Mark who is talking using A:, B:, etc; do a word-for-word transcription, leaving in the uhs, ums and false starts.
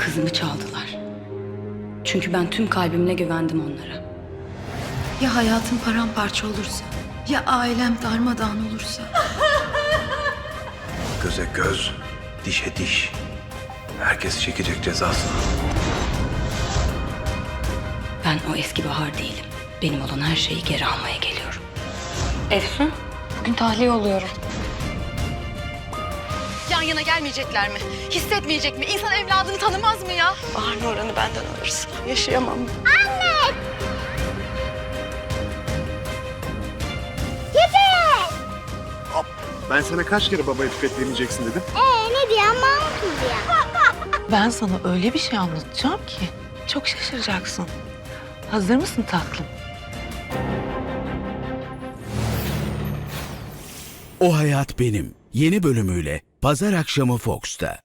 A: Kızımı çaldılar. Çünkü ben tüm kalbimle güvendim onlara. Ya hayatım paramparça olursa? Ya ailem darmadağın olursa?
B: Göze göz, dişe diş. Herkes çekecek cezasını.
A: Ben o eski Bahar değilim. Benim olan her şeyi geri almaya geliyorum. Efsun, bugün tahliye oluyorum.
C: Yan yana gelmeyecekler mi? Hissetmeyecek mi? İnsan evladını tanımaz mı ya?
D: Bahar Nurhan'ı benden alırsın. Yaşayamam.
E: Ben sana kaç kere baba etiket demeyeceksin dedim.
F: Ee ne diye ama diye.
D: Ben sana öyle bir şey anlatacağım ki çok şaşıracaksın. Hazır mısın tatlım?
G: O Hayat Benim yeni bölümüyle Pazar akşamı Fox'ta.